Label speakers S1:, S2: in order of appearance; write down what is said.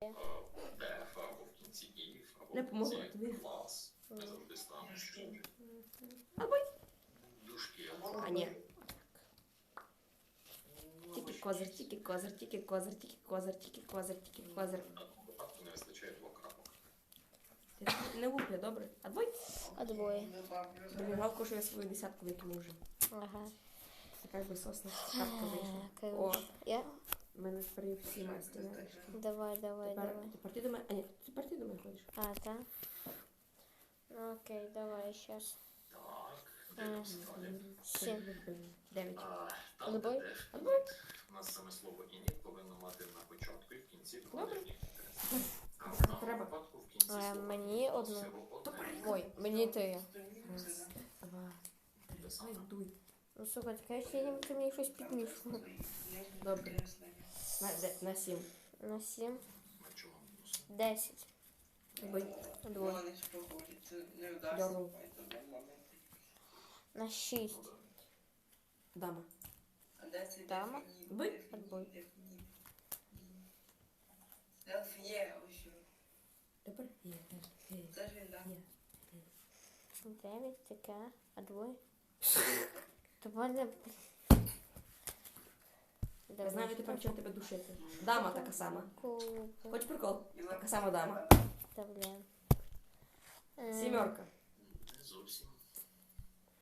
S1: Деф, або в кінці ів, або
S2: Не
S1: в
S2: помогла
S1: кінці
S2: тобі.
S1: клас. Ми завжди ставимо щось.
S2: Або й.
S1: Дужки.
S2: А, ні. Тільки козир, тільки козир, тільки козир, тільки козир, тільки козир, тільки козир.
S1: В випадку не вистачає двох крапок.
S2: Ти не лупля, добре? Отбой.
S3: Отбой.
S2: Блін, жалко, що я свою десятку викину вже.
S3: Ага.
S2: Така би сосна шапка вийшла. О,
S3: Короче. Я?
S2: в мене тепер є всі масті нарешті.
S3: Давай.
S2: Тепер ти до мене, а ні, тепер ти до мене ходиш.
S3: А, да? Ну, окей, давай, сейчас.
S1: Так, дивимося далі.
S3: 7.
S2: 9.
S1: Там,
S3: Отбой?
S1: де деф ініт, у нас саме слово ініт повинно мати на початку і в кінці квадратні. А в даному
S2: Треба.
S1: випадку в кінці слова
S3: Мені одну.
S1: всього одне.
S3: Ой, мені 3.
S2: Раз, два, три. Ой, дуй.
S3: Ну, слухай, таке ще ніби ти мені щось підмішував.
S2: Добре. На 7.
S3: На 7.
S1: На чому мінус?
S3: 10.
S2: Отбой.
S3: Отбой.
S2: Дорогу.
S3: На 6.
S2: Дама.
S3: Дама.
S2: Отбой.
S3: Отбой.
S2: Тепер є. Є.
S3: 9, таке. Отбой. Давай.
S2: Я знаю тепер, чим тебе душити. Дама така сама.
S3: Кубик.
S2: Хоч прикол? Така сама дама.
S3: Та, блін.
S2: 7.
S1: Не зовсім.